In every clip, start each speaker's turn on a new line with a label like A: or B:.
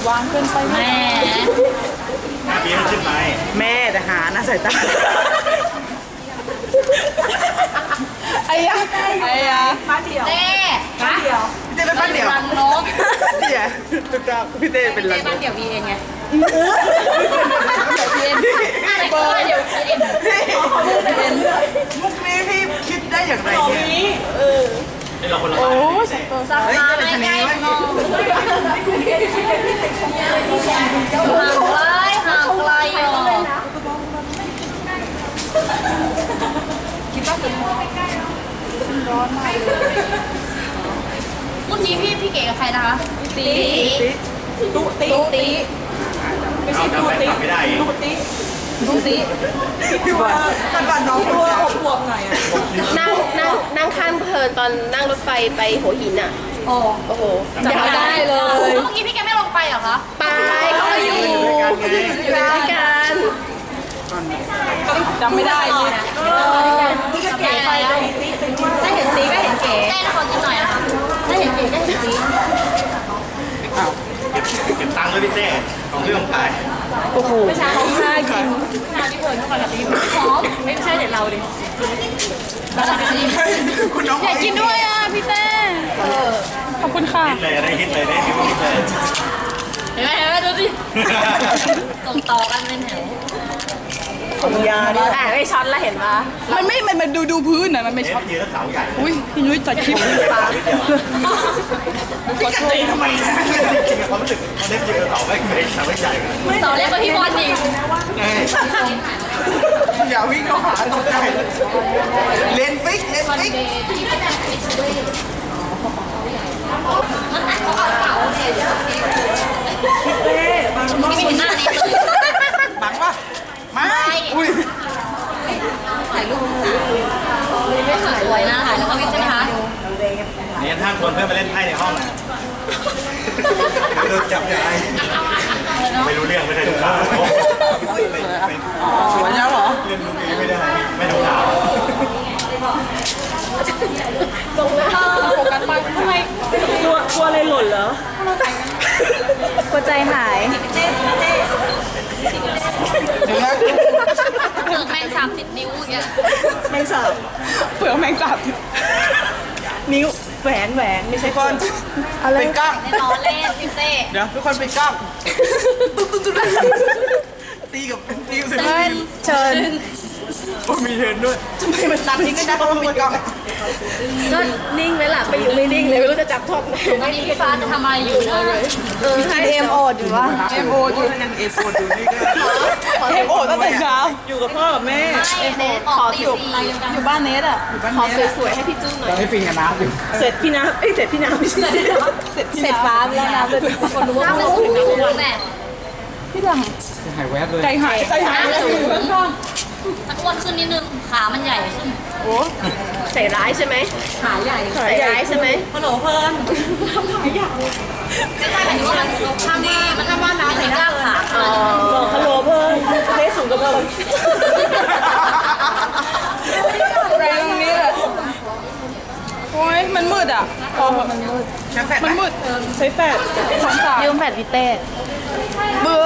A: วางเกินไปแม่
B: เบี้ยขึ้นไหม
A: แม่แต่หานะสายตาไอ้ยะบ้านเดียวเต้บ้านเดียวพี่เต้เป็นบ้านเดียวรันนกเนี่ยตุ๊กตาพี่เต้เป็นรันนกบ้านเดียวมีเองไงเดี๋ยวมุกนี้พี่คิดได้อย่างไรเนี่ย
B: เราคนละโอ้
A: สักมาไม่ใกล้งงห่างไกลอ่ะคิดว่าเป็นร้อนมากเลยเมื่อกี้พี่เก๋กับใครนะคะตีไม่ใช่ตูตี
B: ไม่ได้
A: ตูตีพี่ว่าก่อนน้องตัวบวกหน่อยอ่ะ
C: นั่งข้างเพลินตอนนั่งรถไฟไปหัวหินอ่ะโอ้โหจำได้เลย
A: เมื่อกี้พี่แกไม่ลงไปเหรอคะ
C: ไปเขาอยู่ด้วยกัน
A: จำไม่ได้เลยพี่เก๋ไปได้เห็นตีก็เห็นเก๋ได้ขอกินหน่อยนะคะได้เห็นเก๋ได้เห็นตี
B: เก็บตังค์เลยพี่เต้ของเรื่องขาย
C: โอ้โห
A: ไม่ใช่เขาค่ากินค่าที่เพลินเท่ากันกับตีหอมไม่ใช่เด็ดเราดิคุณน้องอยากกินด้วยอ่ะพี่เต้ขอบคุณค่ะ
B: ฮิตเลยได้ฮิตเลยได้ฮิตเลย
A: เห็นไหมดูดิส่งต่อกันเป็นแถว
C: ผมยาดิไม่ช็อตแล้วเห็นปะ
A: มันดูพื้นนะมันไม่ช็อต
B: ยืนเสาใหญ่
A: อุ้ยพี่นุ้ยจัดคลิปปลาพี่กตีทำไม
B: จริงๆความรู้สึกเขาเล่นยืนเสาไม่เสาไม่ใหญ่
A: เสาเล็กกว่าพี่บอลอีกอย่าวิ่งเข้าหาตกใจเล่นฟิกมันไม่เห็นหน้านี้เลยบังปะไม่อุ้ยถ่ายรูปไม่สวยนะถ่ายแล้วก็วิ่งใช่ไหมคะ
B: นี่ถ้าคนเพื่อนมาเล่นไพ่ในห้องนะโดนจับได้ไม่รู้เรื่องไม่ได้ดูข่าว
A: สวยแล้วเหรอ
B: เล่นลูกนี้ไม่ได้ไม่ดูข่าว
C: ตรงหน้า
A: โฟกัสไปทำไม
C: กลัวอะไรหล่นเหรอ กลัวใจหาย
A: เดี๋ยวนะ
C: เปลือกแมงสาบติดนิ้วอย่างเงี้ยแมงสาบ
A: เปลือกแมงสาบ
C: นิ้วแหวนไม่ใช่
A: ก้อนเป็นก้าง
C: ล้อเล่นพี่เต้
A: เดี๋ยวทุกคนเป็นก้างตีกับเสร็จ
C: เชิญ
A: โอ้มีเทินด้วยทำไมมันตัดนี้ก็ได้เพราะมันเป็นก้าง
C: ก็นิ่งไหมล่ะไปอยู่ไม่นิ่งเลยไม่รู้จะจับท็อปไหน
A: ตอนนี้พี่ฟ้าจะทำอะไรอยู่นะ
C: ใช่เอ็มโออยู่วะ
A: เอ็มโออยู่ยังเอ็มโออยู่นี่ก็เอ็มโอตั้งแต่เช้าอยู่กับพ่อกับแม่
C: เอ็มโอขออยู่บ้านเนสอ่ะขอสวยๆให้พี่จุ้งหน่อย
B: ให้ฟินกับน้ำอยู่
C: เสร็จพี่น้ำเสร็จพี่น้ำไม่ใช่เสร็จฟ้าแล้วน้ำเลยคนรู้ว่าน้ำเป็นสูงแม่
A: พี่ดัง
B: หายแวบเลย
A: ใจหาย
C: ตะอ้วนขึ้นนิดนึงขามันใหญ่ขึ้นโอ้ใส่ร้ายใช่ไหมขาใหญ่ใส่ร้ายใช่ไหม
A: ฮัลโหลเพิ่นทำขาใหญ่
C: ไม่ใช่หมายถึงว่ามันทำดีมันทำบ้านน้ำใส่กล้ามขาบอกฮัลโหลเพิ่นเทสูงกับเพิ่น
A: แรงตรงนี้เลยโอ้ยมันมืดอ่ะพอมันมืดใช้แฟด
C: ยืมแฟดวิเต้
A: เบื่อ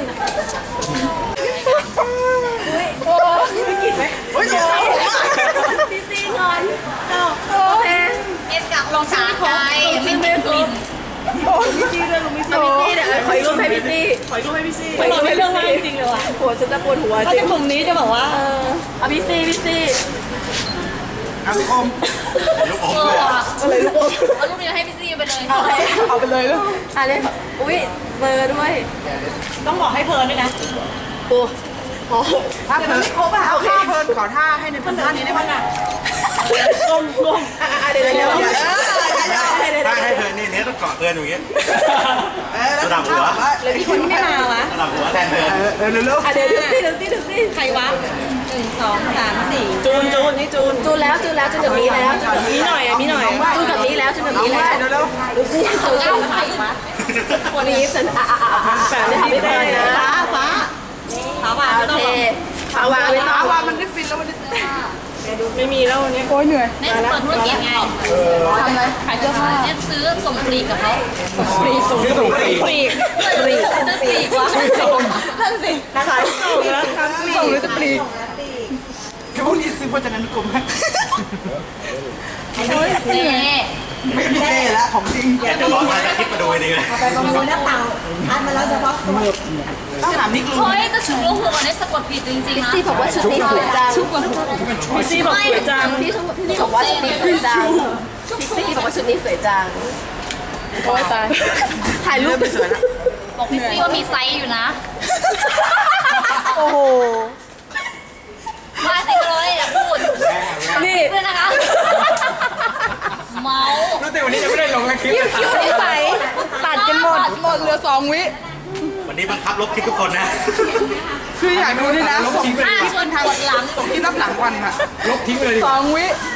A: โอ้ยไม่กินไหมโอ้ย
C: พี่ซีงอนโอเคเอสกับลองชาไก่ไม่เป็นกลิ่น
A: โอ้ยพี่ซีเลยลุงพี่ซี
C: เดี๋ยวขอรูปให้พี่ซี
A: ขอรูปให้พี่ซี
C: ขอรูปให้เรื่องอะไรจริงเลยว่ะหัวฉันจะปวดหัวจริง
A: ถ้าเป็นมุมนี้จะบอกว่า
C: เอาพี่ซี
B: ลูกอมลูกอมเลย
A: อะไรลูกอม
C: เอารูปนี้ให้พี่ซีไปเลย
A: เอาไปเลยลูก
C: อะไรอุ้ยเบอร์ด้วย
A: ต้องบอกให้เพลินด้วยนะ
C: โอ้
A: ถ้าเพลินเอาท่าเพลินขอท่าให้ในเพลินท่านี้ได้ไหมล่ะ
C: ก้มเดี๋ยว
B: ถ้าให้เพลินนี่ต้องเกาะเพลินอย่างเงี้ยระดับหัว
C: แล้วพี่คนไม่มาวะ
B: ระดับหัวแทนเพลิน
A: เร็ว
C: เดี๋ยวสิ
A: ใครวะ1 2 3 4จูนนี่
C: จูนแล้วจูนแบบนี้แล้ว
A: มีหน่อย
C: จูนแบบนี้แล้วดูสิจูนแล้วใครวะวันนี้ฉันแบบนี้ทำไม่ได้นะ
A: ฟ้าวาง
C: โอเคฟ้าวางไม่ต้อง
A: วางมันได้ฟินแล้วมันได้
C: ไม่มีแล้ววันนี้
D: โอ้ยเหนื่อย
A: เนี่ยจะเปิดธุรกิจไง
D: ทำอะไรขายเสื้อผ้า
A: เนี่ยซื้อส่งปลีกกับเขา
D: ฟรีส่ง
B: ชื่อถูกปี
D: ฟรี
A: ปลีกจะปลีกวะ
D: นั่นสิ
C: ขายส่งแล้วครับ
D: ส่งหรือจะฟรี
E: แค่พวกนี้ซื้อพจนานุกรมให้
A: นี่
E: ไม่มีเล่ละของจริง
B: อยากจะร้องมาจะคิดมาดูดีเลย
C: ไปประมูลนะเต่าทานมาแล้วเฉพาะตัว
E: ต้องถามนิกลุง
A: เฮ้ยแต่ชุดลูกหัวเนี่ยสะกดผิดจริงๆนะ
D: พี่บอกว่าชุดนี้สวยจัง
C: พี่ซี่บอกสวยจัง
D: พี่บอกว่าชุดนี้สวยจังพี่ซี่บอกว่าชุดนี้สวยจังโอ้ยตายถ่ายรูป
E: ไม่สวยละ
A: บอกพี่ซี่ว่ามีไซส์อยู่นะ
D: โอ้โห
A: มาสิเลยอย่าพูด
D: นี่
A: เพื่อนนะคะเมา
B: รู้แต่วันนี้ยังไม่ได้ลงคลิป
D: คิ้วนิสัยตัดกันหมดเหลือ2 วิ
B: วันนี้บังคับลบคลิปทุกคนนะ
E: คืออยากดูด้วยนะส่ง
A: ชวนกดหลัง
E: ที่รับหลังวันอะ
B: ลบทิ้งไปเลย
D: 2 วิ